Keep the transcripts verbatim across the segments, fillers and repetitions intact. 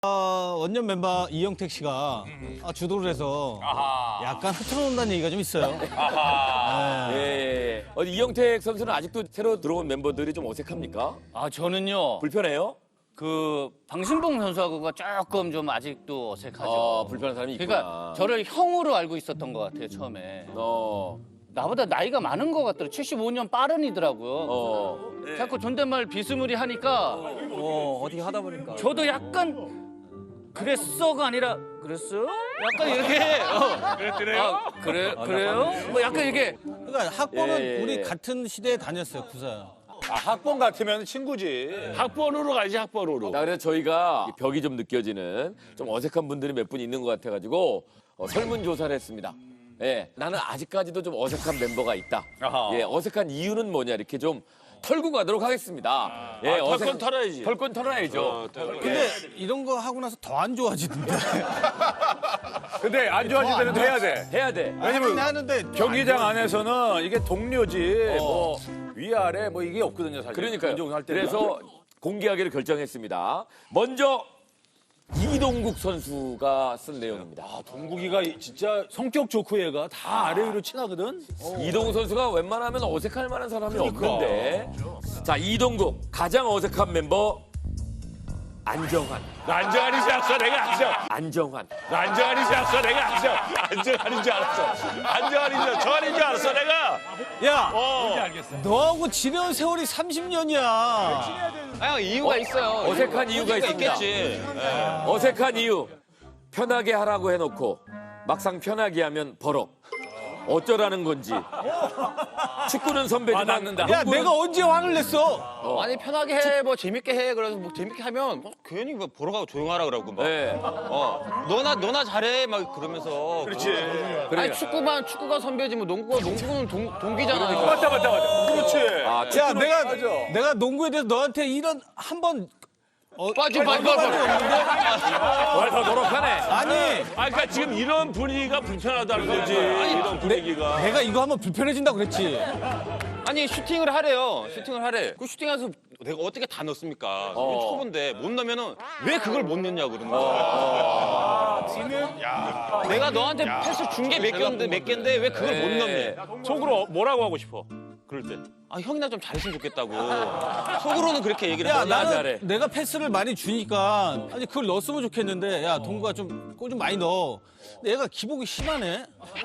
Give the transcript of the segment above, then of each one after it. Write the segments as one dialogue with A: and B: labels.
A: 어, 원년 멤버 이영택 씨가 아, 주도를 해서
B: 아하.
A: 약간 흐트러놓는다는 얘기가 좀 있어요.
B: 아하.
A: 네.
C: 예, 예. 어디 이영택 선수는 아직도 새로 들어온 멤버들이 좀 어색합니까?
D: 아 저는요
C: 불편해요?
D: 그 방신봉 선수하고가 조금 좀 아직도 어색하죠.
C: 어, 불편한 사람이 있구나.
D: 그러니까 저를 형으로 알고 있었던 것 같아요 처음에.
C: 어,
D: 나보다 나이가 많은 것 같더라고요. 칠십오 년 빠른이더라고요.
C: 어.
D: 자꾸 존댓말 비스무리 하니까
E: 어, 어떻게 하다 보니까.
D: 저도 약간 그랬어가 아니라 그랬어요? 약간 이렇게 어.
B: 그랬더래요?
D: 아, 그래 그래요? 뭐 약간 이렇게
A: 그러니까 학번은
C: 예, 예,
A: 우리
C: 예.
A: 같은 시대에 다녔어요, 구사.
B: 아, 학번 같으면 친구지.
F: 학번으로 가지 학번으로.
C: 자, 그래서 저희가 벽이 좀 느껴지는 좀 어색한 분들이 몇 분 있는 것 같아가지고 어, 설문조사를 했습니다. 예, 나는 아직까지도 좀 어색한 멤버가 있다.
B: 아하.
C: 예, 어색한 이유는 뭐냐 이렇게 좀 털고 가도록 하겠습니다. 예,
F: 아, 털건 털어야지.
C: 털건 털어야죠.
F: 어, 털-
A: 근데 이런 거 하고 나서 더 안 좋아지던데.
B: 근데 안 좋아질 때는 해야 돼.
C: 해야 돼.
B: 왜냐면
A: 하는데
B: 경기장 안에서는 이게 동료지 뭐 위아래 뭐 이게 없거든요 사실.
C: 그러니까요.
B: 운동할 때는.
C: 그래서 공개하기를 결정했습니다. 먼저 이동국 선수가 쓴 내용입니다.
B: 아, 동국이가 진짜 성격 좋고 얘가 다 아래 위로 친하거든.
C: 이동국 선수가 웬만하면 어색할 만한 사람이 없는데. 자, 이동국 가장 어색한 mem버 안정환.
F: 안정환이지 않았어 내가 안정.
C: 안정환.
F: 안정환이지 않았어 내가 안정. 안정환인 줄 알았어. 안정환인 줄 정환인 줄 알았어 내가.
A: 야,
F: 어.
A: 너하고 지내온 세월이 삼십 년이야.
E: 아, 이유가 있어요.
C: 어색한 이유가 있습니다.
E: 있겠지.
C: 어색한 이유. 편하게 하라고 해놓고 막상 편하게 하면 버럭. 어쩌라는 건지. 축구는 선배지만
B: 와닿는다.
A: 야,
C: 농구는-
A: 내가 언제 화를 냈어?
E: 아니 편하게 해, 뭐 재밌게 해. 그래서 뭐 재밌게 하면 뭐 괜히 뭐 보러 가고 조용하라 그러고 막.
C: 네.
E: 어, 너나 너나 잘해 막 그러면서.
B: 그렇지.
E: 아니 축구만 축구가 선배지 뭐 농구가 농구는 동, 동기잖아요.
B: 맞다 맞다 맞다. 그렇지.
C: 아,
A: 야, 내가
B: 맞아.
A: 내가 농구에 대해서 너한테 이런 한번
E: 빠지 빠지 빠지.
C: 더 노력하네.
A: 아니,
F: 아 그러니까 지금 이런 분위기가 불편하다는 거지. 이런 분위기가.
A: 내가 이거 하면 불편해진다고 그랬지.
E: 아니 슈팅을 하래요. 슈팅을 하래. 그 슈팅해서 내가 어떻게 다 넣습니까?
C: 어.
E: 이게 초보인데 못 넣으면은 왜 그걸 못 넣냐고 그러는 거야. 내가 너한테 패스 준 게 몇 개인데 몇 개인데 왜 그걸 못 넣니?
F: 속으로 뭐라고 하고 싶어? 그럴 때.
E: 아 형이나 좀 잘했으면 좋겠다고. 속으로는 그렇게 얘기를
A: 야,
E: 해.
A: 나는
C: 잘해.
A: 내가 패스를 많이 주니까 아니 그걸 넣었으면 좋겠는데 야, 동구가 좀 골 좀 많이 넣어. 근데 얘가 기복이 심하네.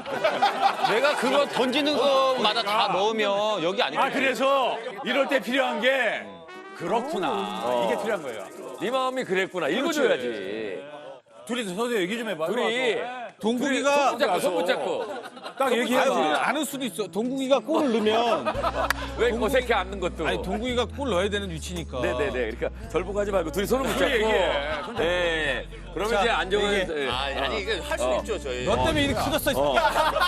E: 내가 그거 던지는 것마다 다 넣으면 여기 아니야.
B: 아 그래서 이럴 때 필요한 게 그렇구나. 이게 필요한 거예요.
C: 네 마음이 그랬구나. 읽어줘야지.
B: 둘이 서서 얘기 좀 해봐.
C: 둘이
A: 동국이가
C: 손 붙잡고, 손 붙잡고.
B: 딱
A: 아니, 우리는
B: 얘기해봐.
A: 안을 수도 있어. 동국이가 골을 넣으면
C: 왜 어색해 앉는 것도.
A: 아니 동국이가 골 넣어야 되는 위치니까.
C: 네네네. 그러니까 절복하지 말고 둘이 손을 붙잡고.
B: 얘기해.
C: 네. 그러면
A: 자,
C: 이제 안정은.
A: 얘기해.
C: 예.
E: 아, 아니 이게 할 수 있죠 저희.
A: 너 때문에 이렇게 커졌어. 이 새끼야.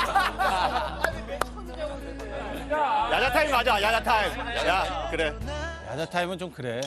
G: 야자 타임 가자, 야자 타임. 야, 그래.
A: 야자 타임은 좀 그래.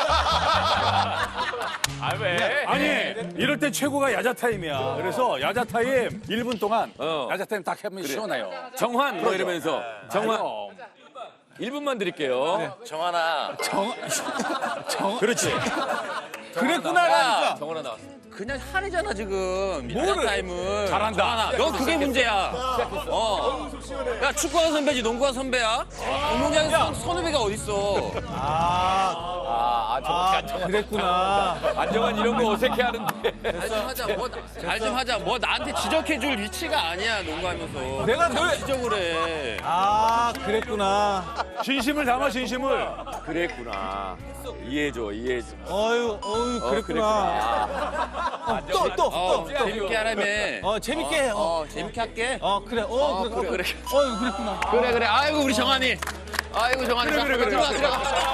F: 아 왜?
B: 아니 이럴 때 최고가 야자 타임이야. 그래서 야자 타임 일 분 동안
C: 어.
B: 야자 타임 딱 하면 시원해요.
C: 정환 뭐 이러면서. 정환
B: 그럼.
C: 일 분만 드릴게요.
E: 정하나.
B: 그렇지.
A: 그랬구나라니까.
C: 정환아 나왔어.
E: 그냥 하래잖아 지금. 야자 타임을.
B: 잘한다.
E: 넌 그게 문제야. 어. 야 축구가 선배지 농구가 선배야? 운동장에 선, 선후배가 어딨어?
A: 아,
C: 아, 아, 정환, 안정환.
A: 그랬구나.
C: 안정환 이런 거 어색해 하는데.
E: 잘 좀 하자. 뭐 잘 좀 하자. 뭐 나한테 지적해줄 위치가 아니야 농구하면서.
A: 내가 널
E: 지적을 해.
A: 아, 그랬구나.
B: 진심을 담아 진심을.
C: 그랬구나. 이해해줘, 이해해줘.
A: 어유, 어유,
C: 어,
A: 그랬구나. 어, 또, 또,
E: 어
A: 또, 또.
E: 재밌게 하라며.
A: 어, 재밌게 해. 어,
E: 어 재밌게 할게.
A: 어 그래. 어,
E: 어,
A: 그래,
E: 그래,
A: 그래.
E: 그래.
A: 어유, 그랬구나.
E: 그래 그래. 아이고 우리 정한이. 아이고 정한이. 그래 그래 그래. 들어가 들어가.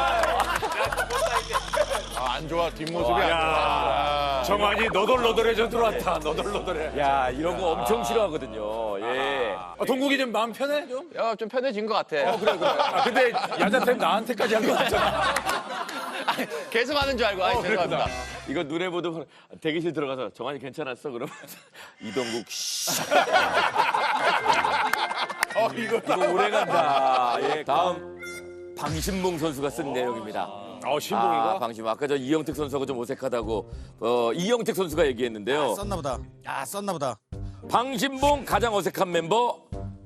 G: 아, 안 좋아, 뒷모습이 안 좋아.
B: 정환이 너덜너덜해져 들어왔다. 너덜너덜해.
C: 야, 이런 거 엄청 싫어하거든요. 예.
B: 아, 동국이 좀 마음 편해 좀?
E: 야 좀 편해진 것 같아.
B: 그래 그래. 아, 근데 야자 타임 나한테까지 한 거 같잖아.
E: 계속 하는 줄 알고. 아이 죄송합니다.
C: 이거 눈에 보도 대기실 들어가서 정환이 괜찮았어? 그러면 이동국 씨.
B: 어 이거
C: 이거 오래 간다. 예, 다음 방신봉 선수가 쓴 내용입니다.
B: 어, 신봉이가?
C: 아, 방심봉. 아까 저 이영택 선수하고 좀 어색하다고 어, 이영택 선수가 얘기했는데요.
A: 썼나 보다. 아, 썼나 보다.
C: 방심봉 가장 어색한 mem버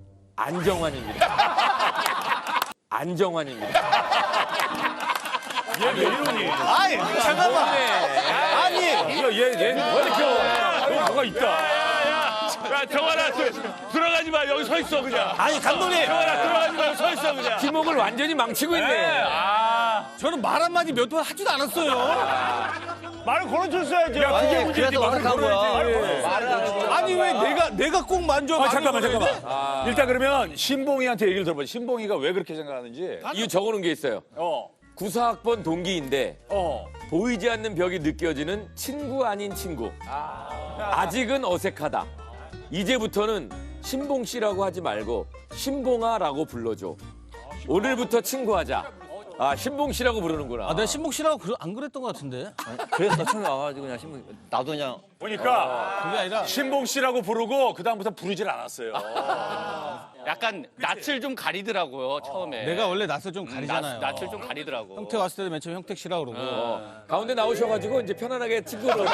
C: 안정환입니다. 안정환입니다.
B: 얘 왜 이러니?
A: 아이, 잠깐만. 아니,
B: 얘얘얘 왜 이렇게 어, 뭐가 있다.
F: 야, 정환아, 들- 들어가지 마. 여기 서 있어, 그냥.
A: 아니, 감독님.
F: 정환아, 들어가지 마. 여기 서 있어, 그냥.
C: 팀워크를 완전히 망치고 있네.
A: 저는 말 한마디 몇 번 하지도 않았어요.
B: 말을 걸어줬어야지. 야, 그게 문제지. 말을 걸어야지.
A: 아니, 왜 내가, 내가 꼭 만져.
B: 아,
A: 말을
B: 잠깐만,
A: 걸어야 돼?
B: 잠깐만. 일단 그러면 신봉이한테 얘기를 들어봐. 신봉이가 왜 그렇게 생각하는지.
C: 이유 적어놓은 게 있어요.
B: 어,
C: 구사학번 동기인데
B: 어.
C: 보이지 않는 벽이 느껴지는 친구 아닌 친구. 아직은 어색하다. 이제부터는 신봉 씨라고 하지 말고 신봉아라고 불러줘. 오늘부터 친구하자. 아, 신봉 씨라고 부르는구나.
A: 아, 내가 신복 씨라고 그러- 안 그랬던 것 같은데.
G: 그래서 처음에 와가지고 그냥 신문 나도 그냥
B: 보니까
A: 그게 아니라.
B: 신봉 씨라고 부르고 그 다음부터 부르질 않았어요.
D: 약간 낯을 좀 가리더라고요 처음에.
A: 내가 원래 낯을 좀 가리잖아요.
D: 낯, 낯을 좀 가리더라고.
A: 형태 왔을 때도 맨 처음 형택 씨라고 그러고.
C: 어, 가운데 나오셔가지고 이제 편안하게 친구로
A: 뭘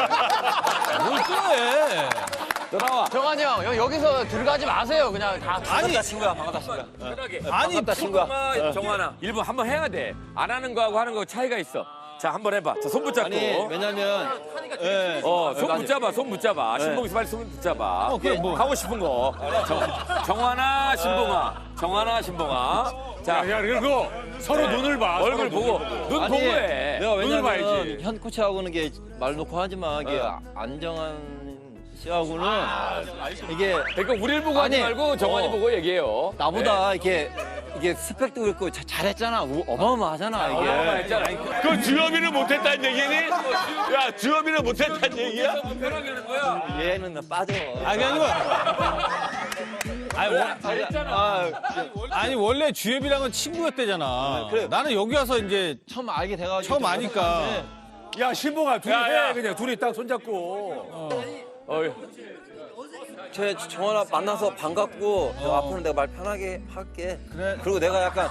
A: 또
C: 돌아와.
H: 정한이 형, 여- 여기서 들어가지 마세요. 그냥 다.
A: 아니,
G: 친구야 반갑다 친구야.
C: 편하게.
A: 아니,
C: 친구야. 정환아. 일부 한번 해야 돼. 안 하는 거하고 하는 거 차이가 있어. 자, 한번 해봐. 자, 손 붙잡고.
G: 아니 왜냐면 예.
C: 어, 손 붙잡아, 손 붙잡아. 신봉이 빨리 손 붙잡아.
A: 어, 그래, 뭐.
C: 하고 싶은 거. 정, 정환아, 신봉아. 정환아, 신봉아. 자,
B: 야, 그리고 서로 눈을 봐.
C: 얼굴
B: 서로
C: 보고,
B: 눈을 보고.
C: 눈 보고 해.
G: 내가
B: 눈을 봐야지.
G: 왜냐면 현 코치하고는 이게 말 놓고 하지만 이게 안정한 씨하고는 이게
C: 그러니까 우리를 보고 하지
G: 아니,
C: 말고 정환이
G: 어.
C: 보고 얘기해요.
G: 나보다 이렇게 이게 스펙도 그렇고 자- 잘했잖아. 우- 어마어마하잖아 이게.
C: 했잖아.
F: 그 주엽이를 못했다는 얘기니? 야, 주엽이를 못했다는 얘기야?
C: 편하게 하는 거야.
G: 얘는 나 빠져.
A: 아니, 아니, 뭐. 아니, 원-
G: 아,
A: 아니, 원래 주엽이랑은 친구였대잖아.
G: 그래.
A: 나는 여기 와서 이제
G: 처음 알게 돼가지고
A: 처음 아니까.
B: 야, 신봉아, 둘이
F: 야,
B: 해.
F: 야.
B: 그냥 둘이 딱 손잡고.
C: 어,
G: 제 정원아 만나서 반갑고 내가 앞으로 내가 말 편하게 할게. 그래. 그리고 내가 약간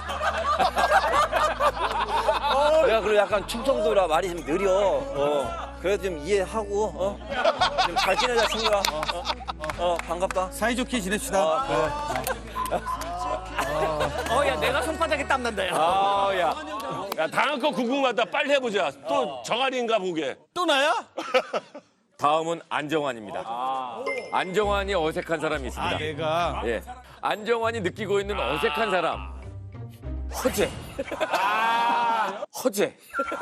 G: 내가 그리고 약간 충청도라 말이 좀 느려. 어. 그래도 좀 이해하고 어. 좀 잘 지내자 친구야. 어, 어. 어, 반갑다.
A: 사이좋게 지냅시다.
D: 어, 야, 내가 손바닥에 땀 난다, 야.
C: 아, 야.
F: 야, 다음 거 궁금하다. 빨리 해보자. 또 정환이인가 보게.
A: 또 나야?
C: 다음은 안정환입니다. 안정환이 어색한 사람이 있습니다.
A: 아, 내가.
C: 예. 안정환이 느끼고 있는 어색한 사람. 허재. 허재.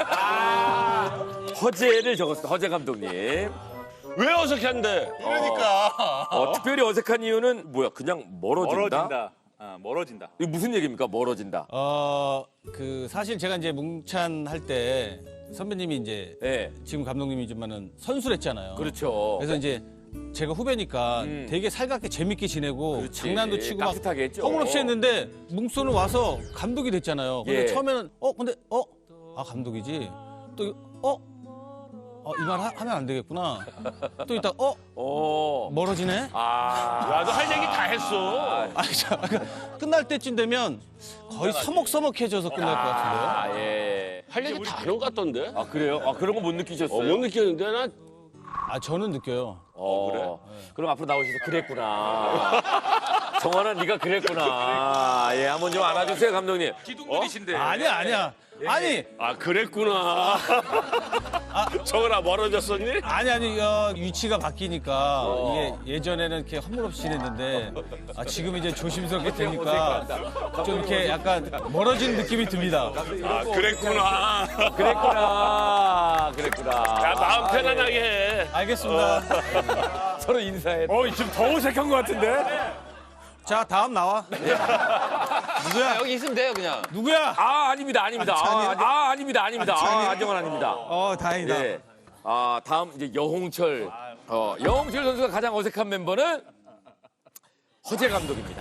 C: 허재를 적었습니다. 허재 감독님.
F: 왜 어색한데?
C: 어, 특별히 어색한 이유는 뭐야? 그냥 멀어진다?
B: 멀어진다. 어, 멀어진다.
C: 이거 무슨 얘기입니까? 멀어진다.
A: 어, 그 사실 제가 이제 뭉찬 할 때 선배님이 이제
C: 예.
A: 지금 감독님이지만은 선수를 했잖아요.
C: 그렇죠.
A: 그래서 이제 제가 후배니까
C: 음.
A: 되게 살갑게 재밌게 지내고
C: 그렇지.
A: 장난도 치고 막
C: 따뜻하게 했죠.
A: 허물없이 했는데 뭉소는 와서 감독이 됐잖아요. 근데
C: 예.
A: 처음에는 어 근데 어 아 감독이지 또 어 어, 이 말 하면 안 되겠구나. 또 이따 어
C: 오.
A: 멀어지네.
C: 아.
F: 야, 너 할 얘기 다 했어.
A: 아니 참 그러니까 끝날 때쯤 되면 거의 서먹서먹해져서 끝날 것 같은데요.
C: 아, 예.
F: 할 얘기 다 하는 것 같던데?
C: 아, 그래요? 아, 그런 거 못 느끼셨어요?
F: 어, 못 느꼈는데, 나.
A: 아 저는 느껴요.
C: 어, 그래? 그럼 앞으로 나오셔서 그랬구나. 정환아, 네가 그랬구나. 예, 한번 좀 안아주세요, 감독님. 기둥들이신데.
A: 아니야 아니야. 아니
F: 아, 그랬구나. 정환아, 멀어졌었니?
A: 아니 아니 어, 위치가 바뀌니까 이게 예전에는 이렇게 허물없이 지냈는데 아, 지금 이제 조심스럽게 되니까 좀 이렇게 약간 멀어진 느낌이 듭니다.
F: 아, 그랬구나.
C: 그랬구나. 그랬구나.
F: 야, 마음 편안하게 해.
A: 알겠습니다.
C: 서로 인사해.
B: 어, 지금 더 어색한 것 같은데?
A: 자 다음 나와. 누구야?
H: 여기 있으면 돼요, 그냥.
A: 누구야?
C: 아, 아닙니다. 아닙니다. 아, 아, 아닙니다. 아닙니다. 아, 안정환 아닙니다.
A: 어 다행이다.
C: 예. 아, 다음 이제 여홍철. 어, 여홍철 선수가 가장 어색한 멤버는 허재 감독입니다.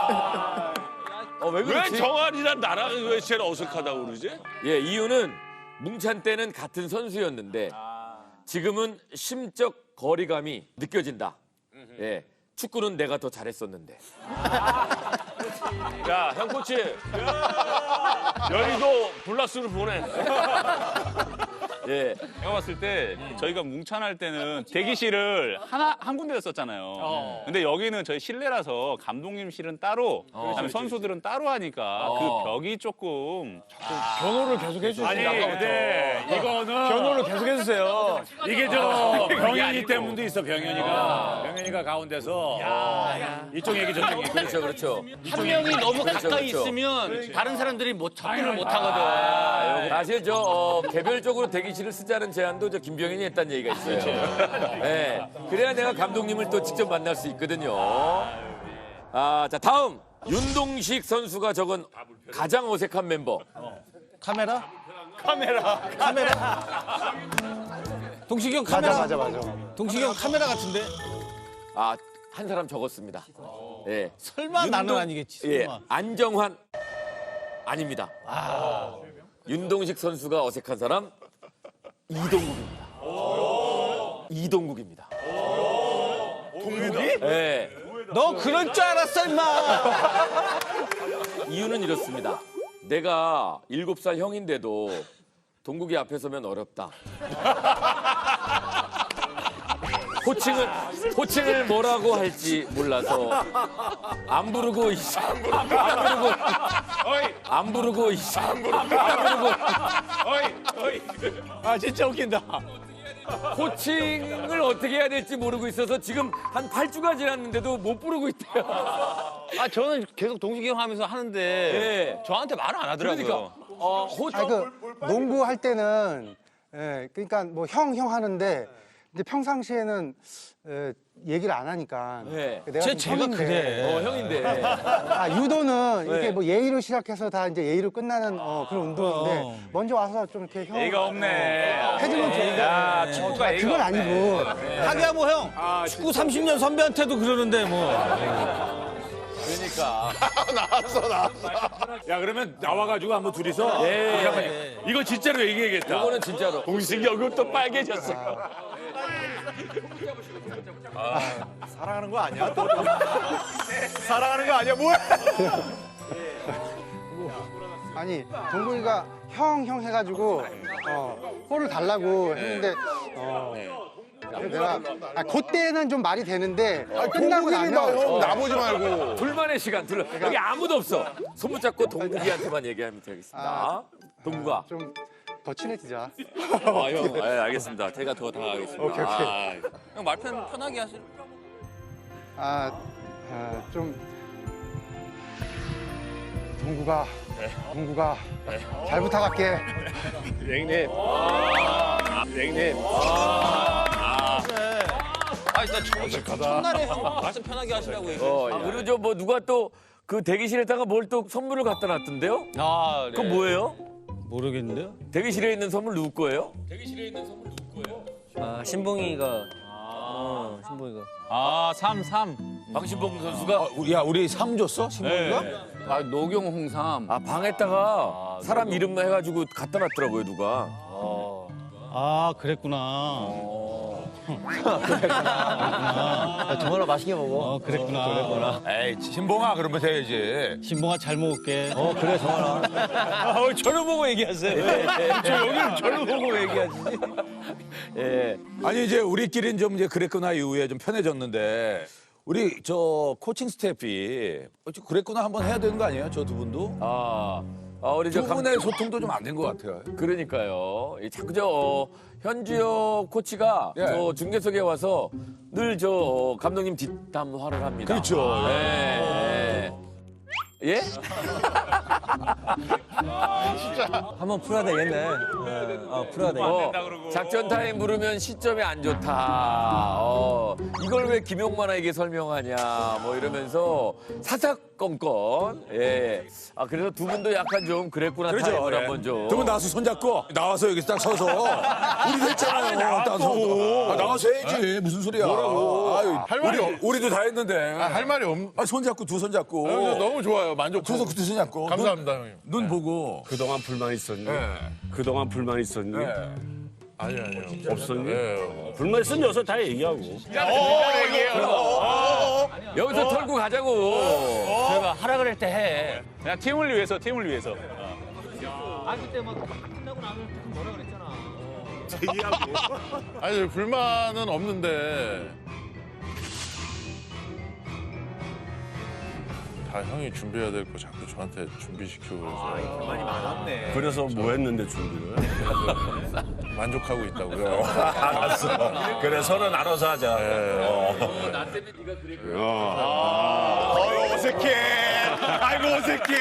C: 어, 왜
F: 왜
C: 그렇지?
F: 정환이랑 나랑 왜 제일 어색하다고 그러지?
C: 예, 이유는 뭉찬 때는 같은 선수였는데 지금은 심적 거리감이 느껴진다. 예. 축구는 내가 더 잘했었는데.
F: 야, 형 코치. 여의도 블라스를 보내.
C: 예.
E: 제가 봤을 때 저희가 뭉찬할 때는 대기실을 하나 한 군데서 썼잖아요. 근데 여기는 저희 실내라서 감독님실은 따로, 그다음에 선수들은 따로 하니까 그 벽이 조금
A: 변호를 계속 해주세요.
B: 아니 근데 이거는
A: 변호를 계속 해주세요.
B: 이게 저 병현이 때문도 있어. 병현이가 병현이가 가운데서 이쪽 얘기 저쪽 얘기.
C: 그렇죠, 그렇죠.
D: 한 명이 너무
C: 그렇죠,
D: 가까이
C: 그렇죠.
D: 있으면 다른 사람들이 못 접근을 못 하거든.
C: 사실 저 어, 개별적으로 대기실을 쓰자는 제안도 저 김병현이 했다는 얘기가 있어요. 네. 그래야 내가 감독님을 또 직접 만날 수 있거든요. 아, 자 다음 윤동식 선수가 적은 가장 어색한 멤버.
A: 카메라? 카메라. 카메라. 동식이 형 카메라. 맞아, 맞아, 맞아. 동식이 형 카메라 같은데?
C: 아, 한 사람 적었습니다. 예.
A: 설마 나는
C: 윤동-
A: 아니겠지.
C: 예.
A: 설마.
C: 안정환 아닙니다. 윤동식 선수가 어색한 사람 이동국입니다. 이동국입니다. 동국이? 예.
A: 너 그럴 줄 알았어, 임마.
C: 이유는 이렇습니다. 내가 일곱 살 형인데도 동국이 앞에 서면 어렵다. 호칭을 호칭을 뭐라고 할지 몰라서 안 부르고 있어. 안 부르고 안 부르고 있어. 안 부르고.
B: 아 진짜 웃긴다.
C: 호칭을 어떻게 해야 될지 모르고 있어서 지금 한 팔 주가 지났는데도 못 부르고 있대요.
E: 아 저는 계속 동식이 형 하면서 하는데
C: 예.
E: 저한테 말을 안 하더라고요.
C: 그러니까 어, 호,
I: 아니, 그 농구 할 때는 예, 그러니까 뭐 형 형 하는데 이제 평상시에는 예, 얘기를 안 하니까
C: 네.
I: 내가
A: 쟤
I: 좀
A: 제가
I: 형인데,
A: 그래.
C: 어, 형인데.
I: 아, 유도는
C: 네.
I: 이렇게 뭐 예의로 시작해서 다 이제 예의로 끝나는 어, 그런 운동인데
A: 어.
I: 먼저 와서 좀 이렇게 형
B: 예의가 없네.
I: 어, 해주면 좋은데
B: 야 축구가
I: 아,
B: 예의가
I: 그건
B: 없네.
I: 아니고
A: 하기야 뭐 형. 축구 삼십 년 선배한테도 그러는데 뭐.
C: 그러니까.
B: 야 그러면 나와가지고 한번 둘이서
C: 예.
B: 잠깐만요. 이거 진짜로 얘기해야겠다.
C: 이거는 진짜로.
F: 동식이 얼굴 또 빨개졌어.
B: 사랑하는 거 아니야? 또? 사랑하는 거 아니야? 뭐야?
I: 아니 동국이가 형 형 해가지고 어, 볼을 달라고 했는데 어, 그래서 내가 아, 그때는 좀 말이 되는데 끝나고 나면
F: 나보지 말고.
C: 둘만의 시간 둘. 여기 아무도 없어. 손 붙잡고 동국이한테만 얘기하면 되겠습니다.
I: 아.
C: 동국아.
I: 좀 더 친해지자.
E: 아, 형, 예, 알겠습니다. 제가 더 다가가겠습니다.
I: 오케이, 오케이.
E: 아, 형 말 편하게 하세요.
I: 아, 아, 좀 동구가 동구가 잘 부탁할게.
F: 형님. 형님.
E: 아, 일단 저, 첫날에 형 말씀 편하게 하시라고 얘기해.
C: 어, 아, 그리고 저 뭐 누가 또 그 대기실에다가 뭘 또 선물을 갖다 놨던데요?
A: 아, 네.
C: 그건 뭐예요?
A: 모르겠는데요?
C: 대기실에 있는 선물 누구 거예요?
D: 아, 신봉이가. 어, 신봉이가.
E: 아, 삼, 삼.
C: 방신봉 선수가
A: 야, 우리 삼 줬어? 신부가?
H: 아, 노경 홍삼.
C: 아, 방에다가 사람 이름만 해가지고 갖다 놨더라고요 누가.
A: 아, 그랬구나.
G: 정말 맛있게 먹어.
A: 어, 그랬구나.
F: 에이, 신봉아 그러면 돼야지.
A: 신봉아 잘 먹을게.
G: 어 그래 정원아.
A: 어, 저를 보고 얘기하세요. 저 여기를 저를 보고 얘기하시지.
C: 예.
B: 아니 이제 우리끼리는 좀 이제 그랬구나 이후에 좀 편해졌는데 우리 저 코칭 스태프이 어찌 그랬구나 한번 해야 되는 거 아니에요? 저 두 분도?
C: 아, 아 우리 저
B: 두
C: 감,
B: 분의 소통도 좀 안 된 것 같아요.
C: 그러니까요. 이 자꾸 저 어, 현주혁 코치가
B: 예.
C: 저 중계석에 와서 늘 저 어, 감독님 뒷담화를 합니다.
B: 그렇죠.
C: 예. 예? 예?
G: 한번 풀어야 되겠네. 어, 풀어야 되겠네.
C: 어, 작전 타임 부르면 시점이 안 좋다. 어, 이걸 왜 김용만에게 설명하냐. 뭐 이러면서 사사건건. 예. 아 그래서 두 분도 약간 좀 그랬구나
B: 그렇죠.
C: 타임을
B: 예.
C: 한번 좀.
B: 두 분 나와서 손잡고 나와서 여기 딱 서서 우리도 했잖아요. 딱 서서. 아, 나와서 해야지. 무슨 소리야. 뭐라고. 아유,
F: 할 말이
B: 우리, 우리도 다 했는데.
F: 할 말이 없.
B: 아, 손잡고 두 손잡고.
F: 너무 좋아요. 만족.
B: 두 손, 두 손잡고.
F: 감사합니다, 형님.
B: 눈, 눈 보고.
J: 그동안 불만 있었니?
B: 예.
J: 그동안 불만 있었니?
B: 예.
F: 아니 아니요. 없어요. 불만 있으면 여기서 다 얘기하고.
C: 여기서 털고 가자고.
D: 저희가 하라 그럴 때 해.
E: 그냥 팀을 위해서 팀을 위해서.
D: 아 그때 막 끝나고 나면 뭐라 그랬잖아.
F: 아니 불만은 없는데 다 형이 준비해야 될 거 자꾸 저한테 준비시키고 그래서
J: 그래서 뭐 했는데 준비를?
F: 만족하고 있다고요.
J: 알았어. 그래 서로 나눠서 하자. 어. 어, 어색해. 아이고 어색해.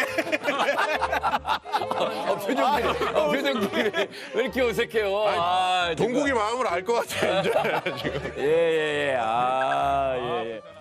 C: 어, 표정들이, 어, 표정들이 왜 이렇게 어색해요? 아,
F: 동국이 마음을 알 것 같아 이제 지금.
C: 예, 예, 예. 아, 예, 예.